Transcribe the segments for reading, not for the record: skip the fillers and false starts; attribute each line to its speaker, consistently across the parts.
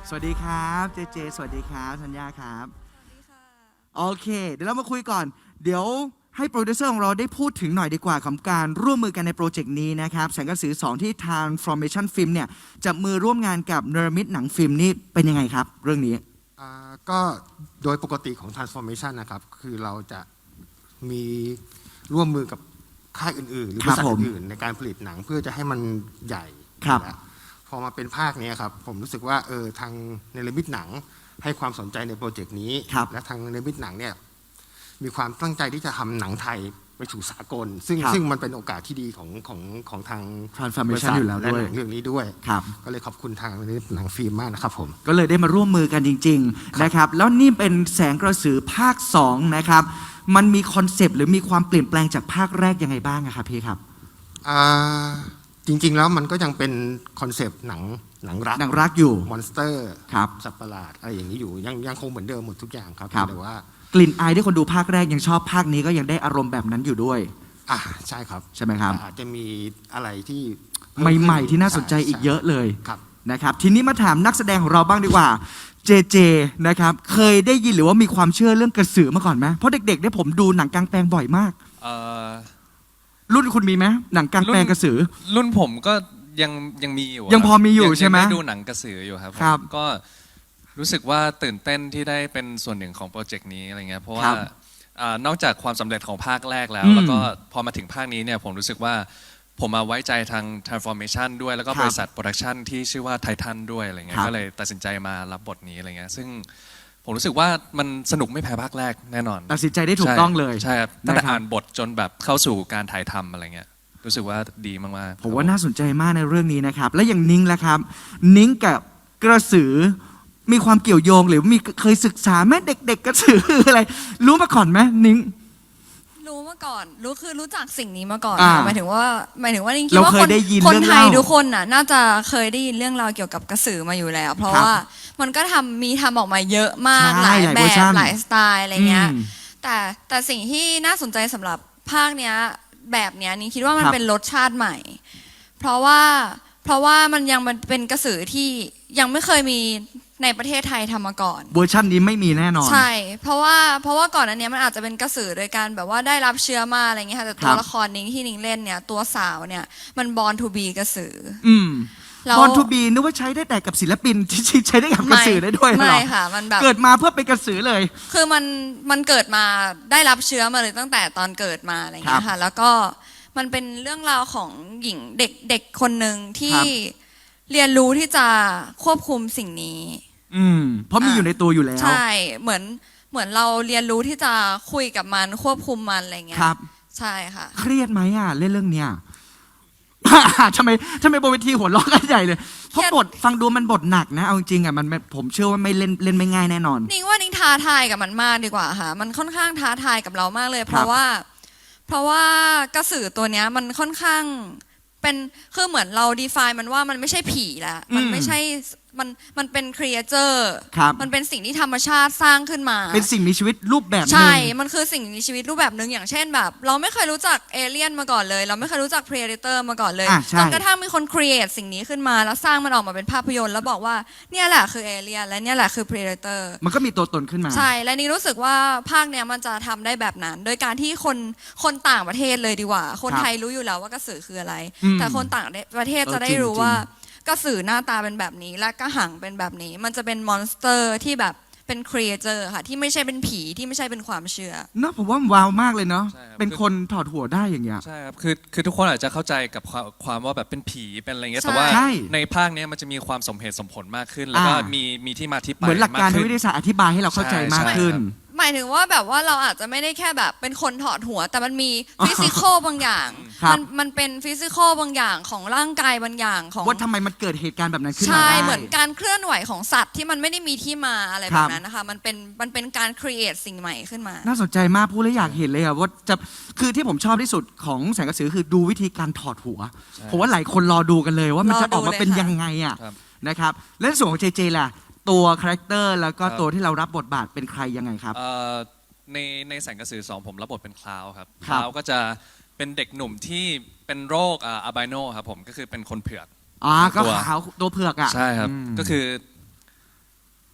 Speaker 1: สวัสดีครับเจเจสวัสดีครับธัญญาครับโอเคเดี๋ยวเรามาคุยก่อนเดี๋ยวให้โปรดิวเซอร์ของเราได้พูดถึงหน่อยดีกว่าของการร่วมมือกันในโปรเจกต์นี้นะครับแสงกระสือ2ที่ Transformation Film เนี่ยจับมือร่วมงานกับเนรมิตหนังฟิล์มนี่เป็นยังไงครับเรื่องนี้
Speaker 2: ก็โดยปกติของ Transformation นะครับคือเราจะมีร่วมมือกับค่ายอื่นๆหรือบริษัทอื่นๆในการผลิตหนังเพื่อจะให้มันใหญ่พอมาเป็นภาคนี้ครับผมรู้สึกว่าทางเนรมิตหนังให้ความสนใจในโปรเจกต์นี้และทางเนรมิตหนังเนี่ยมีความตั้งใจที่จะทำหนังไทยไปสู่สากลซึ่งมันเป็นโอกาสที่ดีของทาง
Speaker 1: Transformation อยู่แล้วด้วย
Speaker 2: เรื่องนี้ด้วยก็เลยขอบคุณทางหนังฟิล์มมากนะครับผม
Speaker 1: ก็เลยได้มาร่วมมือกันจริงๆนะครับแล้วนี่เป็นแสงกระสือภาค2นะครับมันมีคอนเซปต์หรือมีความเปลี่ยนแปลงจากภาคแรกยังไงบ้างครับพี่ครับ
Speaker 2: จริงๆแล้วมันก็ยังเป็นคอนเซปต์หนัง
Speaker 1: รักอยู่
Speaker 2: มอนสเตอร์สัตว์ประหลาดอะไรอย่างนี้อยู่ยังคงเหมือนเดิมหมดทุกอย่างครับแต่ว่
Speaker 1: ากลิ่นอายที่คนดูภาคแรกยังชอบภาคนี้ก็ยังได้อารมณ์แบบนั้นอยู่ด้วย
Speaker 2: ใช่ครับ
Speaker 1: ใช่ไหมครับ
Speaker 2: อาจจะมีอะไรที่
Speaker 1: ใหม่ๆที่น่าสนใจอีกเยอะเลยนะครับทีนี้มาถามนักแสดงของเราบ้างดีกว่าเจเจนะครับเคยได้ยินหรือว่ามีความเชื่อเรื่องกระสือมาก่อนไหมเพราะเด็กๆเนี่ยผมดูหนังกลางแปลงบ่อยมากรุ่นคุณมีไหมหนังกลางแปลงกระสือ
Speaker 3: รุ่นผมก็ยังมีอยู่
Speaker 1: ยังพอมีอยู่ใช่ไหม
Speaker 3: ดูหนังกระสืออยู่ครับก็รู้สึกว่าตื่นเต้นที่ได้เป็นส่วนหนึ่งของโปรเจกต์นี้อะไรเงี้ยเพราะว่านอกจากความสำเร็จของภาคแรกแล้วก็พอมาถึงภาคนี้เนี่ยผมรู้สึกว่าผมมาไว้ใจทาง Transformation ด้วยแล้วก็บริษัทโปรดักชันที่ชื่อว่าไททันด้วยอะไรเงี้ยก็เลยตัดสินใจมารับบทนี้อะไรเงี้ยซึ่งผมรู้สึกว่ามันสนุกไม่แพ้ภาคแรกแน่นอน
Speaker 1: ตัดสินใจได้ถูกต้องเลย
Speaker 3: ใช่ครับตั้งแต่อ่านบทจนแบบเข้าสู่การถ่ายทำอะไรเงี้ยรู้สึกว่าดีมาก
Speaker 1: ๆผมว่าน่าสนใจมากในเรื่องนี้นะครับและอย่างนิ้งล่ะครับนิ้งกับกระสือมีความเกี่ยวโยงหรือมีเคยศึกษาไหมเด็กๆกระสืออะไรรู้มาก่อนไหมนิ้ง
Speaker 4: รู้มาก่อนรู้จักสิ่งนี้มาก่อนหมายถึงว่านิ้งคิดว่า
Speaker 1: คน
Speaker 4: ไทยทุกคนน่ะน่าจะเคยได้ยินเรื่องราวเกี่ยวกับกระสือมาอยู่แล้วเพราะว่ามันก็ทำออกมาเยอะมากหลายแบบหลายสไตล์อะไรเงี้ยแต่สิ่งที่น่าสนใจสำหรับภาคเนี้ยแบบเนี้ยนิ้งคิดว่ามันเป็นรสชาติใหม่เพราะว่ามันยังเป็นกระสือที่ยังไม่เคยมีในประเทศไทยทำมาก่อน
Speaker 1: เวอร์ชันนี้ไม่มีแน่นอน
Speaker 4: ใช่เพราะว่าก่อนอันนี้มันอาจจะเป็นกระสือโดยการแบบว่าได้รับเชื้อมาอะไรเงี้ยค่ะแต่ตัวละครนิ้งที่นิ้งเล่นเนี่ยตัวสาวเนี่ยมันบอร์นทูบีกระสือบ
Speaker 1: อร์นทูบีนึกว่าใช้ได้แต่กับศิลปินที่ใช้ได้กับกระสือได้ด้วย
Speaker 4: ไม่ค่ะมันแบบ
Speaker 1: เกิดมาเพื่อเป็นกระสือเลย
Speaker 4: คือมันเกิดมาได้รับเชื้อมาเลยตั้งแต่ตอนเกิดมาอะไรเงี้ยค่ะแล้วก็มันเป็นเรื่องราวของหญิงเด็กคนหนึ่งที่เรียนรู้ที่จะควบคุมสิ่งนี้
Speaker 1: เพราะมีอยู่ในตัวอยู่แล้ว
Speaker 4: ใช่เหมือนเราเรียนรู้ที่จะคุยกับมันควบคุมมันอะไรเงี้ย
Speaker 1: ครับ
Speaker 4: ใช่ค่ะ
Speaker 1: เครียดไหมเล่นเรื่องเนี้ยทำไมบนเวทีหัวเราะกันใหญ่เลยเพราะบทฟังดูมันบทหนักนะเอาจริงมันผมเชื่อว่าไม่เล่นไม่ง่ายแน่นอน
Speaker 4: นิ้งว่านิ้งท้าทายกับมันมากดีกว่าค่ะมันค่อนข้างท้าทายกับเรามากเลยเพราะว่ากระสือตัวเนี้ยมันค่อนข้างเป็นคือเหมือนเรา define มันว่ามันไม่ใช่ผีแล้วมันไม่ใช่มันเป็น creature มันเป็นสิ่งที่ธรรมชาติสร้างขึ้นมา
Speaker 1: เป็นสิ่งมีชีวิตรูปแบบนึง
Speaker 4: ใช่มันคือสิ่งมีชีวิตรูปแบบนึงอย่างเช่นแบบเราไม่เคยรู้จักเอเลี่ยนมาก่อนเลยเราไม่เคยรู้จัก predator มาก่อนเลยจนกระทั่งมีคน create สิ่งนี้ขึ้นมาแล้วสร้างมันออกมาเป็นภาพยนตร์แล้วบอกว่าเนี่ยแหละคือเอเลี่ยนและเนี่ยแหละคือ predator
Speaker 1: มันก็มีตัวตนขึ้นมา
Speaker 4: ใช่และนี่รู้สึกว่าภาคเนี้ยมันจะทำได้แบบนั้นโดยการที่คนต่างประเทศเลยดีกว่าคนไทยรู้อยู่แล้วว่ากระสือคืออะไรแต่คนต่างประเทศจะได้รู้ว่ากระสือหน้าตาเป็นแบบนี้และกระหังเป็นแบบนี้มันจะเป็นมอนสเตอร์ที่แบบเป็นครีเอเตอร์ค่ะที่ไม่ใช่เป็นผีที่ไม่ใช่เป็นความเชื่อ
Speaker 1: เนาะผมว่าว้าวมากเลยเนาะเป็นคนถอดหัวได้อย่างเงี้ย
Speaker 3: ใช่ครับคือทุกคนอาจจะเข้าใจกับความว่าแบบเป็นผีเป็นอะไรเงี้ยแต่ว่าในภาคนี้มันจะมีความสมเหตุสมผลมากขึ้นแล้วก็มีที่มาที่ไป
Speaker 1: เหมือนหลักการวิทยาศาสตร์อธิบายให้เราเข้าใจมากขึ้น
Speaker 4: หมายถึงว่าแบบว่าเราอาจจะไม่ได้แค่แบบเป็นคนถอดหัวแต่มันมีฟิสิกอลบางอย่างมันเป็นฟิสิกอลบางอย่างของร่างกายบางอย่างของ
Speaker 1: ว่าทำไมมันเกิดเหตุการณ์แบบนั้นขึ้นมา
Speaker 4: ใช่เหมือนการเคลื่อนไหวของสัตว์ที่มันไม่ได้มีที่มาอะไรแบบนั้นนะคะมันเป็นการครีเอทสิ่งใหม่ขึ้นมา
Speaker 1: น่าสนใจมากพูดแล้วอยากเห็นเลยว่าจะคือที่ผมชอบที่สุดของแสงกระสือคือดูวิธีการถอดหัวผมว่าหลายคนรอดูกันเลยว่ามันจะออกมาเป็นยังไงนะครับและส่วนของเจเจล่ะตัวคาแรคเตอร์แล้วก็ตัวที่เรารับบทบาทเป็นใครยังไงครับ
Speaker 3: ในแสงกระสือ2ผมรับบทเป็นคลาวครับคลาวก็จะเป็นเด็กหนุ่มที่เป็นโรคอัลไบโนครับผมก็คือเป็นคนเผือก
Speaker 1: ก็ขาวตัวเผือก
Speaker 3: ใช่ครับก็คือ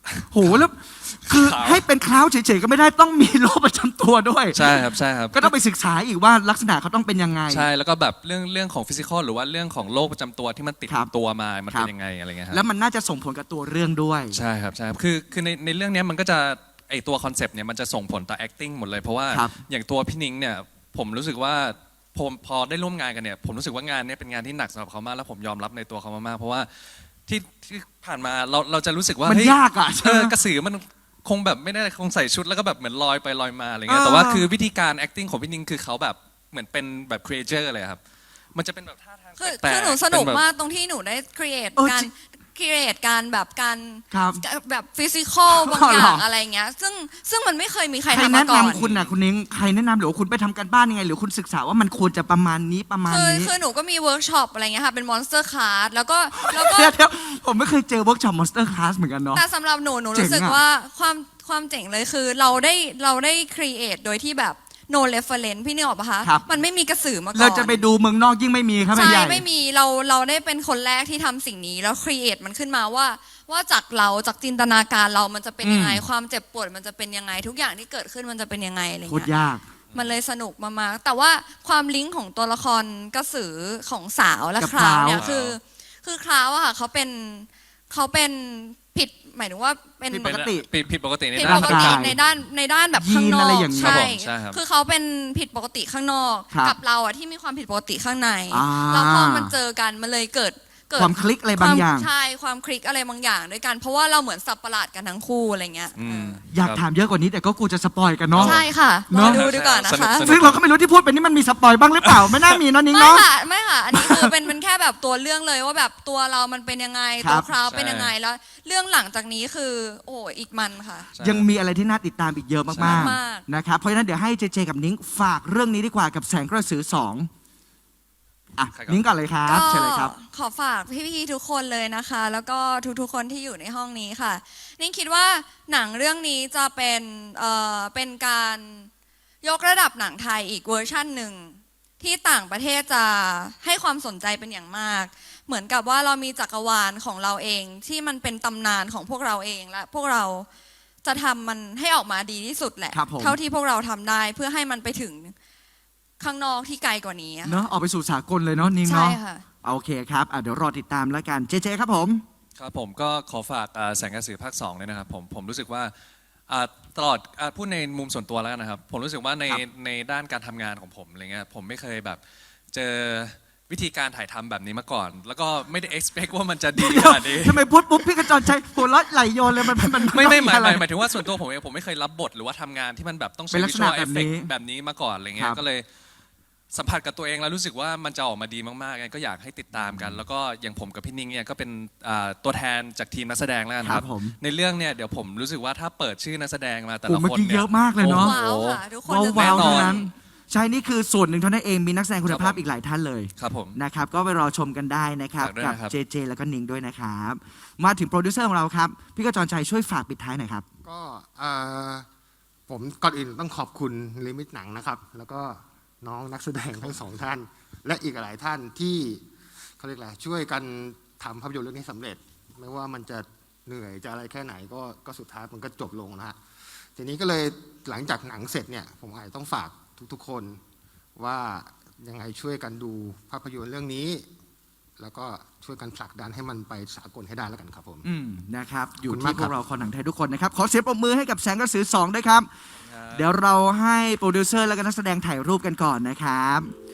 Speaker 1: โหแล้วคือ
Speaker 3: ขาว
Speaker 1: ให้เป็นคล้าวเฉยๆก็ไม่ได้ต้องมีโรคประจำตัวด้วย
Speaker 3: ใช่ครับใช่ครับ
Speaker 1: ก็ต้องไปศึกษาอีกว่าลักษณะเขาต้องเป็นยังไง
Speaker 3: ใช่แล้วก็แบบเรื่องของฟิสิกอลหรือว่าเรื่องของโรคประจำตัวที่มันติด
Speaker 1: ครับ
Speaker 3: ตัวมามัน
Speaker 1: ครั
Speaker 3: เป็
Speaker 1: บ
Speaker 3: นยังไงอะไรเงี้ยครับ
Speaker 1: แล้วมันน่าจะส่งผลกับตัวเรื่องด้วย
Speaker 3: ใช่ครับใช่ครับคือในเรื่องเนี้ยมันก็จะไอตัวคอนเซปต์เนี่ยมันจะส่งผลต่อ acting หมดเลยเพราะว่า
Speaker 1: ครับ
Speaker 3: อย่างตัวพี่นิ้งเนี่ยผมรู้สึกว่าผมพอได้ร่วมงานกันเนี่ยผมรู้สึกว่างานเนี้เป็นงานที่หนักสำหรับเขามากแล้วผมยอมรับในตัวเขามากๆเพราะว่าที่ผ่านมาเราจะรู้สึกว่า
Speaker 1: มัน
Speaker 3: เฮ้
Speaker 1: ยากอ่ะใช่ไหม
Speaker 3: กระสือมันคงแบบไม่ได้คงใส่ชุดแล้วก็แบบเหมือนลอยไปลอยมาอะไรเงี้ย
Speaker 1: เออ
Speaker 3: แต่ว่าคือวิธีการ acting ของพี่นิ้งคือเขาแบบเหมือนเป็นแบบ creature เลยครับมันจะเป็นแบบท่าทาง
Speaker 4: คือ
Speaker 3: แปลกๆ
Speaker 4: หนูสนุก
Speaker 3: เป็แบบ
Speaker 4: มากตรงที่หนูได้ create
Speaker 1: เออ
Speaker 4: การ
Speaker 1: จริง
Speaker 4: create การแบบการ
Speaker 1: ครับ
Speaker 4: แบบฟิสิกอลบาง
Speaker 1: อ๋อ
Speaker 4: อ
Speaker 1: เหรอ
Speaker 4: ย่างอะไรเงี้ยซึ่งมันไม่เคยมีใคร
Speaker 1: ใคร
Speaker 4: ทำ
Speaker 1: แนะ
Speaker 4: มาก่อน
Speaker 1: นำคุณน่ะคุณนิ้งใครแนะนำหรือว่าคุณไปทำกันบ้านยังไง หรือคุณศึกษาว่ามันควรจะประมาณนี้ประมาณนี้
Speaker 4: คือหนูก็มีเวิร์กช็อปอะไรเงี้ยค่ะเป็นมอนสเตอร์คลาสแล้วก็
Speaker 1: เดี๋ยวผมไม่เคยเจอเวิร์กช็อปมอนสเตอร์คลาสเหมือนกันเนาะ
Speaker 4: แต่สำหรับหนู
Speaker 1: เจ๋ง
Speaker 4: รู้สึก
Speaker 1: อะ
Speaker 4: ว่าความเจ๋งเลยคือเราได้ create โดยที่แบบ no reference พี่นึกออกปะคะ
Speaker 1: ครับ
Speaker 4: มันไม่มีกระสือมาก่อน
Speaker 1: เราจะไปดูเมืองนอกยิ่งไม่มีครับ
Speaker 4: ใช่
Speaker 1: ใหญ่
Speaker 4: ไม่มีเราได้เป็นคนแรกที่ทำสิ่งนี้แล้ว create มันขึ้นมาว่าจากเราจากจินตนาการเรามันจะเป็นยังไง ความเจ็บปวดมันจะเป็นยังไงทุกอย่างที่เกิดขึ้นมันจะเป็นยังไงอะไร
Speaker 1: โคตร
Speaker 4: เงี้ย
Speaker 1: ยาก
Speaker 4: มันเลยสนุกมากๆแต่ว่าความลิงก์ของตัวละครกระสือของสาวและ
Speaker 1: กับ
Speaker 4: คราวเนี่ย
Speaker 3: คราว
Speaker 4: คือคราวอะค่ะเขาเป็นผิดหมายถึงว่าเป็น
Speaker 1: ผิดปกติ
Speaker 3: ผิดปกติใน
Speaker 4: ผิด
Speaker 3: ด้า
Speaker 4: ป
Speaker 3: น
Speaker 4: กติ
Speaker 1: ร่างกาย
Speaker 4: ในด้านแบบข้างน
Speaker 1: ยีน
Speaker 4: อ
Speaker 1: อะไร
Speaker 4: ก
Speaker 1: อย่างนี้
Speaker 4: ใช่
Speaker 3: ครับผมใช่ครับ
Speaker 4: คือเขาเป็นผิดปกติข้างนอก
Speaker 1: ครับ
Speaker 4: กับเราอะที่มีความผิดปกติข้างใน
Speaker 1: อ่า
Speaker 4: แล้วพอมันเจอกันมันเลยเกิด
Speaker 1: ความคลิกอะไรบางอย่าง
Speaker 4: ใช่ความคลิกอะไรบางอย่างด้วยกัน เพราะว่าเราเหมือนสับประหลาดกันทั้งคู่อะไรเงี้ย
Speaker 3: อืม
Speaker 1: อยากถามเยอะกว่านี้แต่ก็กูจะสปอยกันเนาะ
Speaker 4: ใช่ค่ะร
Speaker 1: เน
Speaker 4: อ
Speaker 1: อะ
Speaker 4: ดูดีกว่านะ
Speaker 3: สนุก
Speaker 4: คะ
Speaker 3: สนุก
Speaker 1: ซึ่งเราก็ไม่รู้ที่พูดไปนี่มันมีสปอยบ้างหรือเปล่า ไม่น่ามีเนอะนิ้ง
Speaker 4: ไม่
Speaker 1: เนาะ
Speaker 4: ค่ะไม่ค่ะ อันนี้คือเป็นแค่แบบตัวเรื่องเลยว่าแบบตัวเรามันเป็นยังไง
Speaker 1: ครั
Speaker 4: ตัว
Speaker 1: บ
Speaker 4: คราวเป็น
Speaker 3: ใช่
Speaker 4: ยังไงแล้วเรื่องหลังจากนี้คือ โอ้อีกมันค่ะ
Speaker 3: ใช่
Speaker 1: ยังมีอะไรที่น่าติดตามอีกเยอะมาก
Speaker 4: มาก
Speaker 1: ๆนะครับเพราะฉะนั้นเดี๋ยวให้เจเจกับนิ้งฝากเรื่องนี้ดีกว่ากับแสงกระสือ2อ่ะ
Speaker 3: ใครก่อน
Speaker 1: นิ้งก่อนเลยครับ
Speaker 4: ก็
Speaker 1: เชิญเลยครับ
Speaker 4: ขอฝากพี่ๆทุกคนเลยนะคะ แล้วก็ทุกๆคนที่อยู่ในห้องนี้ค่ะนิ่งคิดว่าหนังเรื่องนี้จะเป็นการยกระดับหนังไทยอีกเวอร์ชั่นหนึ่งที่ต่างประเทศจะให้ความสนใจเป็นอย่างมาก เหมือนกับว่าเรามีจักรวาลของเราเองที่มันเป็นตำนานของพวกเราเองและพวกเราจะทำมันให้ออกมาดีที่สุดแหละ
Speaker 1: ครับผม
Speaker 4: เท่าที่พวกเราทำได้เพื่อให้มันไปถึงข้างนอกที่ไกลกว่านี้อะค่ะ
Speaker 1: เนาะออกไปสู่สากลเลยเนาะนิ้ง
Speaker 4: ใช่
Speaker 1: เนาะ
Speaker 4: ค่ะ
Speaker 1: โอเคครับเดี๋ยวรอติดตามแล้วกันเจเจครับผม
Speaker 3: ครับผมก็ขอฝากแสงกระสือภาค2เลยนะครับผมรู้สึกว่าตลอดพูดในมุมส่วนตัวแล้วกันนะครับผมรู้สึกว่าในด้านการทำงานของผมอะไรเงี้ยผมไม่เคยแบบเจอวิธีการถ่ายทำแบบนี้มาก่อน แล้วก็ไม่ได้ expect ว่ามันจะดีขนาดนี้
Speaker 1: ทำไมพูดปุ๊บพี่กระจรชัยหัวเราะไหลโยนเลยมัน
Speaker 3: ไม่หมาย
Speaker 1: อะไร
Speaker 3: หมายถึงว่าส่วนตัวผมเองผมไม่เคยรับบทหรือว่าทำงานที่มันแบบต้อง
Speaker 1: เป็
Speaker 3: ใช้
Speaker 1: นลักษณะ
Speaker 3: visual
Speaker 1: แบบนี้
Speaker 3: effect แบบนี้มาก่อนอะไรเงี้
Speaker 1: ครั
Speaker 3: ย
Speaker 1: บ
Speaker 3: ก็เลยสัมผัสกับตัวเองแล้วรู้สึกว่ามันจะออกมาดีมากๆไงก็อยากให้ติดตามกัน แล้วก็อย่างผมกับพี่นิ้งเนี่ยก็เป็นตัวแทนจากทีมนักแสดงแล้วกัน
Speaker 1: ค
Speaker 3: ค
Speaker 1: รั
Speaker 3: รั
Speaker 1: บบ ผม
Speaker 3: ในเรื่องเนี่ยเดี๋ยวผมรู้สึกว่าถ้าเปิดชื่อนักแสดงมาแต่
Speaker 1: โอ้
Speaker 3: ละ
Speaker 1: เมื่อ
Speaker 3: คน
Speaker 1: กี้
Speaker 3: เนี่
Speaker 1: เยอะมากเลยเนาะ
Speaker 3: โอ้โห
Speaker 4: ว้าวค่ะทุกคน
Speaker 1: ว้าว
Speaker 4: จะ
Speaker 1: ว้าว
Speaker 3: แน่นอน
Speaker 1: ทั้งนั้นใช่นี่คือส่วนหนึ่งเท่านั้นเองมีนักแสดงคุณภาพอีกหลายท่านเลย
Speaker 3: ครับผม
Speaker 1: นะครับก็ไปรอชมกันได้นะครับ
Speaker 3: ฝากด้วย
Speaker 1: กับ
Speaker 3: นะครับ
Speaker 1: เจเจแล้วก็นิงด้วยนะครับมาถึงโปรดิวเซอร์ของเราครับพี่กระจรชัยช่วยฝากปิดท้ายหน่อยครับ
Speaker 2: ก็ผมก่อนอื่นต้องขอบคุณลิมิตหนังนะครับ แล้วก็น้องนักแสดงทั้งสองท่าน และอีกหลายท่านที่เขาเรียกอะไรช่วยกันทำภาพยนตร์เรื่องนี้สำเร็จ ไม่ว่ามันจะเหนื่อยจะอะไรแค่ไหนก็สุดท้ายมันก็จบลงนะฮะทีนี้ก็เลยหลังจากหนังเสร็จเนี่ยผมอาจจะต้องฝากทุกๆคนว่ายังไงช่วยกันดูภาพยนตร์เรื่องนี้ แล้วก็ช่วยกันผลักดันให้มันไปสากลให้ได้แล้วกันครับผม
Speaker 1: นะครับอยู่
Speaker 2: ขอบคุณมา
Speaker 1: ที่
Speaker 2: ก
Speaker 1: พ
Speaker 2: ครั
Speaker 1: ว
Speaker 2: บ
Speaker 1: กเราคนหนังไทยทุกคนนะครับขอเสียงปรบมือให้กับแสงกระสือ2ด้วยครับ เดี๋ยวเราให้โปรดิวเซอร์และก็นักแสดงถ่ายรูปกันก่อนนะครับ